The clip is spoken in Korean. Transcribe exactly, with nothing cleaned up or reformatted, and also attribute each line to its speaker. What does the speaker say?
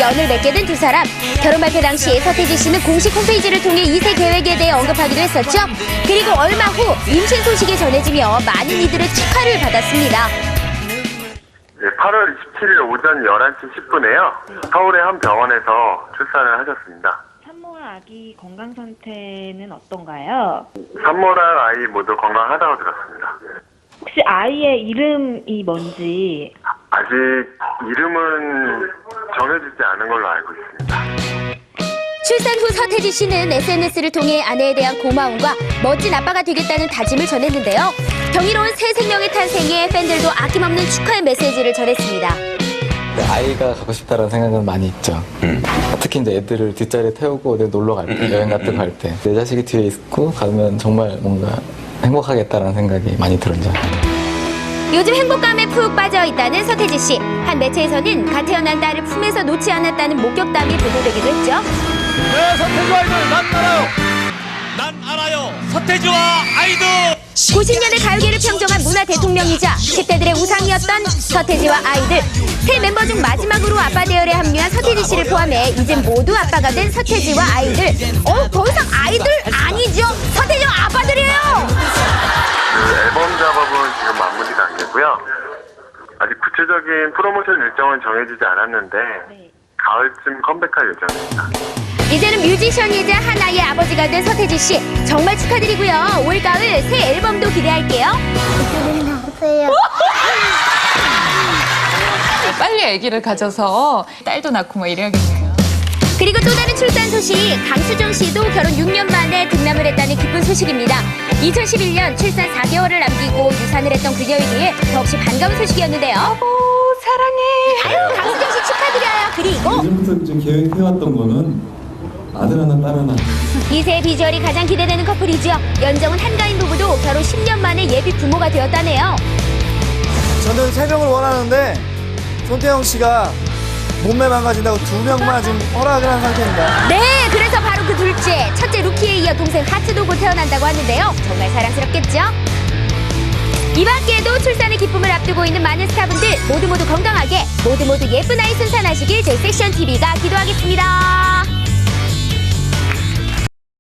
Speaker 1: 연을 맺게 된 두 사람. 결혼 발표 당시 서태지 씨는 공식 홈페이지를 통해 이 세 계획에 대해 언급하기도 했었죠. 그리고 얼마 후 임신 소식이 전해지며 많은 이들의 축하를 받았습니다.
Speaker 2: 네, 팔월 이십칠일 오전 열한 시 십 분에요. 서울의 한 병원에서 출산을 하셨습니다.
Speaker 3: 산모와 아기 건강 상태는 어떤가요?
Speaker 2: 산모랑 아이 모두 건강하다고 들었습니다.
Speaker 3: 혹시 아이의 이름이 뭔지?
Speaker 2: 아직 이름은 정해지지 않은 걸로 알고 있습니다.
Speaker 1: 출산 후 서태지 씨는 에스엔에스를 통해 아내에 대한 고마움과 멋진 아빠가 되겠다는 다짐을 전했는데요. 경이로운 새 생명의 탄생에 팬들도 아낌없는 축하의 메시지를 전했습니다.
Speaker 4: 아이가 가고 싶다는 생각은 많이 있죠. 음. 특히 이제 애들을 뒷자리에 태우고 어디 놀러 갈 때, 여행 같은 거 갈 때 내 자식이 뒤에 있고 가면 정말 뭔가 행복하겠다라는 생각이 많이 들었죠.
Speaker 1: 요즘 행복감에 푹 빠져있다는 서태지 씨. 한 매체에서는 갓 태어난 딸을 품에서 놓지 않았다는 목격담이 보도되기도 했죠.
Speaker 5: 네, 서태지와 아이들 난 알아요. 난 알아요. 서태지와 아이들.
Speaker 1: 구십 년대 가요계를 평정한 문화 대통령이자 십 대들의 우상이었던 서태지와 아이들. 새 멤버 중 마지막으로 아빠 대열에 합류한 서태지 씨를 포함해 이젠 모두 아빠가 된 서태지와 아이들. 어, 더 이상 아이들 아니죠. 서태지와 아빠들이에요.
Speaker 2: 그 앨범 작업은 지금 마무리 단계고요. 아직 구체적인 프로모션 일정은 정해지지 않았는데 가을쯤 컴백할 예정입니다.
Speaker 1: 이제는 뮤지션이자 하나의 아버지가 된 서태지 씨. 정말 축하드리고요. 올가을 새 앨범도 기대할게요.
Speaker 6: 빨리 아기를 가져서 딸도 낳고 뭐 이래야겠네요.
Speaker 1: 그리고 또 다른 출산 소식. 강수정 씨도 결혼 육 년 만에 등남을 했다는 기쁜 소식입니다. 이천십일 년 출산 사 개월을 남기고 유산을 했던 그녀에게 더없이 반가운 소식이었는데요.
Speaker 6: 여보 사랑해.
Speaker 1: 아유, 강수정 씨 축하드려요. 그리고
Speaker 7: 예전부터 좀 계획해왔던 거는 아들 하나 딸 하나.
Speaker 1: 이 세 비주얼이 가장 기대되는 커플이죠. 연정은 한가인 부부도 결혼 십 년 만에 예비 부모가 되었다네요.
Speaker 8: 저는 세 명을 원하는데 손태영 씨가 몸매 망가진다고 두 명만 지금 허락을 한 상태입니다.
Speaker 1: 네, 그래서 바로 그 둘째, 첫째 루키에 이어 동생 하트도 곧 태어난다고 하는데요. 정말 사랑스럽겠죠? 이 밖에도 출산의 기쁨을 앞두고 있는 많은 스타분들 모두 모두 건강하게, 모두 모두 예쁜 아이 순산하시길 저희 섹션티비가 기도하겠습니다.